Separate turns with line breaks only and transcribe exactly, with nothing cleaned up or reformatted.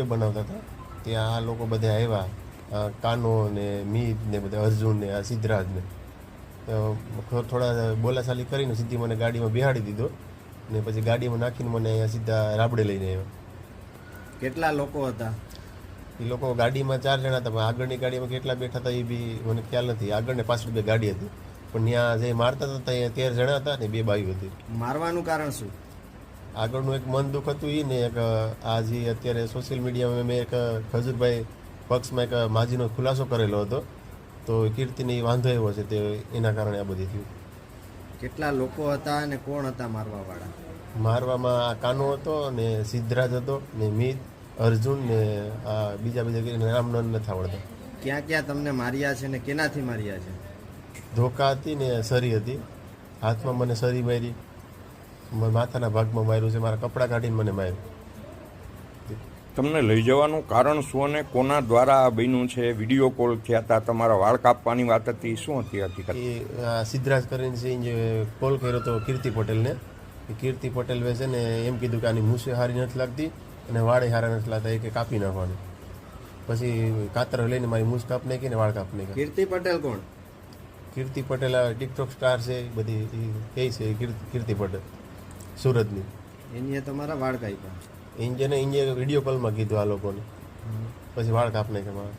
Video બનાવતા હતા ત્યાં આ લોકો બધા આવ્યા, કાનો ને મીત ને બધા અર્જુન ને આ સિદ્ધરાજ ને થોડા બોલાચાલી કરીને સીધી મને ગાડીમાં બેહાડી દીધો ને પછી ગાડીમાં નાખીને મને અહીંયા સીધા રાબડે લઈને આવ્યો.
કેટલા લોકો હતા?
એ લોકો ગાડીમાં ચાર જણા હતા, પણ આગળની ગાડીમાં કેટલા બેઠા હતા એ બી મને ખ્યાલ નથી. આગળ ને પાછળ બે ગાડી હતી, પણ ત્યાં જે મારતા હતા ત્યાં તેર જણા હતા ને બે બાઈઓ હતી.
મારવાનું કારણ શું?
આગળનું એક મન દુઃખ હતું એ ને એક આ જે અત્યારે સોશિયલ મીડિયામાં મેં એક ખજૂરભાઈ પક્ષમાં એક માજીનો ખુલાસો કરેલો હતો, તો કીર્તિને વાંધો એવો છે તે એના કારણે આ બધી થયું.
કેટલા લોકો હતા અને કોણ હતા મારવા વાળા?
મારવામાં આ કાનો હતો ને સિદ્ધરાજ હતો ને મીત, અર્જુન ને આ બીજા બીજા નામ નથી આવડતા.
ક્યાં ક્યાં તમને માર્યા છે ને કેનાથી માર્યા છે?
ધોકા હતી ને સરી હતી. હાથમાં મને સરી મારી, માથાના ભાગમાં માર્યું છે, મારા કપડાં કાઢીને મને માર્યું.
તમને લઈ જવાનું કારણ શું અને કોના દ્વારા આ બન્યું છે? વિડીયો કોલ થયા હતા, તમારા વાળ કાપવાની વાત હતી, શું હતી હકીકત?
એ સિદ્ધરાજ કરીને છે જે કોલ કર્યો હતો કીર્તિ પટેલને. કીર્તિ પટેલ છે ને એમ કીધું કે આની મૂછે સારી નથી લાગતી અને વાળે સારા નથી લાગતા, એ કે કાપી નાખવાની. પછી કાતર લઈને મારી મૂછ કાપ નાખી ને વાળ કાપ નાખી.
કીર્તિ પટેલ કોણ?
કીર્તિ પટેલ આ ટિકટોક સ્ટાર છે, બધી કઈ છે કીર્તિ પટેલ સુરતની.
એની તમારા વાળ કાપ્યા?
ઇન્જિને ઇન્જે વિડીયો કોલમાં કીધું આ લોકોને, પછી વાળ કાપ નાખ્યા.